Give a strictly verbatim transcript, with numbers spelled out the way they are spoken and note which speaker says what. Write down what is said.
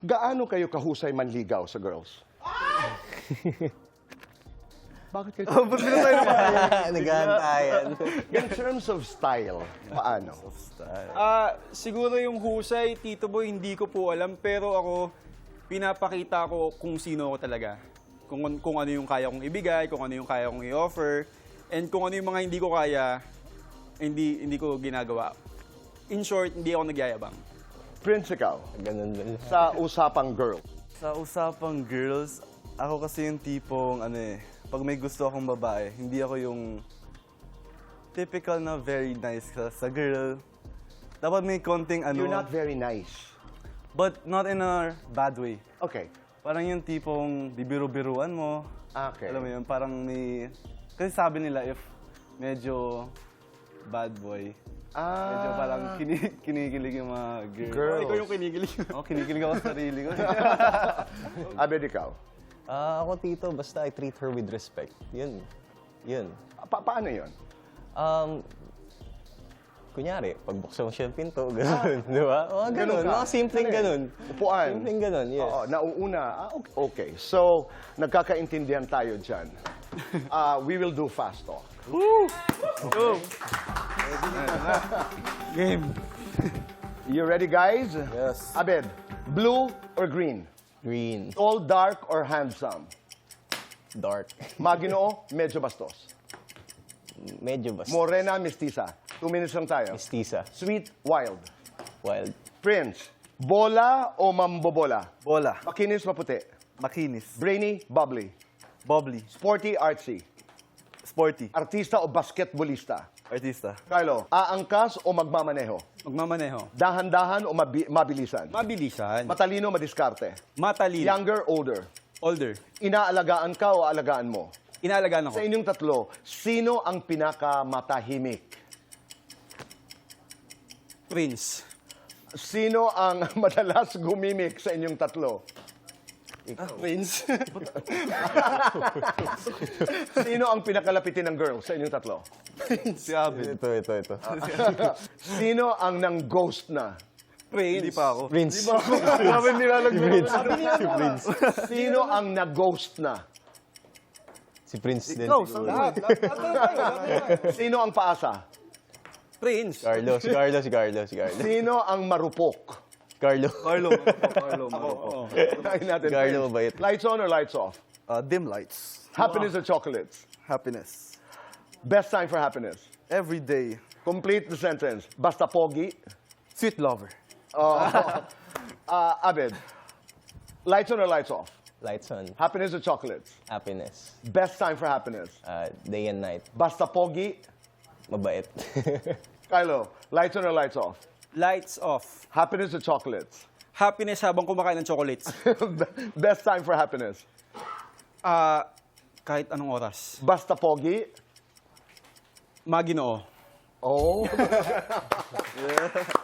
Speaker 1: Gaano kayo kahusay manligaw sa girls? Bakit kayo?
Speaker 2: Oh, ba't meron tayo naman?
Speaker 3: Naghahantayan.
Speaker 1: In terms of style, paano?
Speaker 2: Ah, siguro yung husay, Tito Boy, hindi ko po alam. Pero ako, pinapakita ko kung sino ako talaga. Kung, kung ano yung kaya kong ibigay, kung ano yung kaya kong i-offer. And kung ano yung mga hindi ko kaya, hindi, hindi ko ginagawa. In short, hindi ako nagyayabang.
Speaker 1: Prince, ikaw,
Speaker 3: Ganun ba?
Speaker 1: sa usapang girl.
Speaker 4: Sa usapang girls, ako kasi yung tipong ano eh, pag may gusto akong babae, hindi ako yung typical na very nice ka sa girl. Dapat may konting ano,
Speaker 1: You're not very nice.
Speaker 4: but not in a bad way.
Speaker 1: Okay.
Speaker 4: Parang yung tipong bibiru-biruan mo.
Speaker 1: Okay.
Speaker 4: Alam mo yun, parang may... Kasi sabi nila if medyo bad boy, medyo
Speaker 1: Ah,
Speaker 4: parang kini kinikilig yung mga girl.
Speaker 1: Girls.
Speaker 2: Ikaw yung kinikilig.
Speaker 4: Oh, kinikilig ako sa sarili ko.
Speaker 1: Abed, ikaw.
Speaker 3: Ah, ako, Tito, basta I treat her with respect. Yun. Yun.
Speaker 1: Pa- paano yun?
Speaker 3: Um, kunyari, pagbuksan mo siya yung pinto, gano'n, di ba? O,
Speaker 1: Ganun
Speaker 3: gano'n,
Speaker 1: ka?
Speaker 3: mga simpleng
Speaker 1: Ano yun?
Speaker 3: gano'n.
Speaker 1: Upuan.
Speaker 3: Simpleng gano'n, yes.
Speaker 1: Oo, nauuna. Ah, okay. okay. So, nagkakaintindihan tayo dyan. Uh, we will do fast talk.
Speaker 2: Game.
Speaker 1: You ready, guys?
Speaker 4: Yes.
Speaker 1: Abed, blue or green?
Speaker 3: Green,
Speaker 1: Tall, dark, or handsome?
Speaker 3: dark,
Speaker 1: Maginoo, medyo bastos.
Speaker 3: medyo basta.
Speaker 1: Morena, mestiza. Two minutes lang tayo.
Speaker 3: Mestiza,
Speaker 1: Sweet, wild.
Speaker 3: wild,
Speaker 1: Prince, bola o mambobola?
Speaker 4: Bola,
Speaker 1: Makinis, maputi.
Speaker 4: makinis,
Speaker 1: Brainy, bubbly.
Speaker 4: bubbly,
Speaker 1: Sporty, artsy.
Speaker 4: sporty,
Speaker 1: Artista o basketballista?
Speaker 4: artista,
Speaker 1: Carlo, aangkas o magmamaneho?
Speaker 2: Magmamaneho.
Speaker 1: Dahan-dahan o mabi- mabilisan?
Speaker 2: Mabilisan.
Speaker 1: Matalino, madiskarte?
Speaker 2: Matalino.
Speaker 1: Younger, older?
Speaker 2: Older.
Speaker 1: Inaalagaan ka o aalagaan mo?
Speaker 2: Inaalagaan ako.
Speaker 1: Sa inyong tatlo, sino ang pinakamatahimik?
Speaker 2: Prince.
Speaker 1: Sino ang madalas gumimik sa inyong tatlo?
Speaker 2: Prince.
Speaker 1: Sino ang pinakalapitin ng girl sa inyong tatlo?
Speaker 4: si Abel.
Speaker 3: ito, ito, ito.
Speaker 1: Sino ang nang-ghost na?
Speaker 2: Prince.
Speaker 4: Hindi pa ako.
Speaker 3: Prince,
Speaker 1: Grabe nilalagay.
Speaker 3: Prince, si Prince.
Speaker 1: Sino ang nag-ghost na?
Speaker 3: Si Prince din.
Speaker 2: Ikaw,
Speaker 3: siguro.
Speaker 2: lahat. Lahat lahat tayo, lahat tayo.
Speaker 1: Sino ang paasa?
Speaker 2: Prince.
Speaker 3: Carlo, si Carlo, si Carlo, si Carlo.
Speaker 1: Sino ang marupok?
Speaker 3: Carlo.
Speaker 4: Carlo, Carlo, Carlo.
Speaker 1: Ay, natin.
Speaker 3: Carlo,
Speaker 1: Prince.
Speaker 3: mabait.
Speaker 1: Lights on or lights off?
Speaker 4: Uh, dim lights,
Speaker 1: Happiness or chocolates?
Speaker 4: happiness,
Speaker 1: Best time for happiness?
Speaker 4: every day,
Speaker 1: Complete the sentence. Basta pogi.
Speaker 4: sweet lover,
Speaker 1: Oh. uh, Abed, lights on or lights off?
Speaker 3: Lights on,
Speaker 1: Happiness or chocolates?
Speaker 3: happiness,
Speaker 1: Best time for happiness?
Speaker 3: uh, day and night,
Speaker 1: Basta pogi.
Speaker 3: mabait.
Speaker 1: Kylo, lights on or lights off?
Speaker 2: Lights off.
Speaker 1: Happiness or chocolates?
Speaker 2: Happiness habang kumakain ng chocolates.
Speaker 1: Best time for happiness?
Speaker 2: Ah, kahit anong oras.
Speaker 1: Basta pogi.
Speaker 2: Maginoo.
Speaker 1: Oh.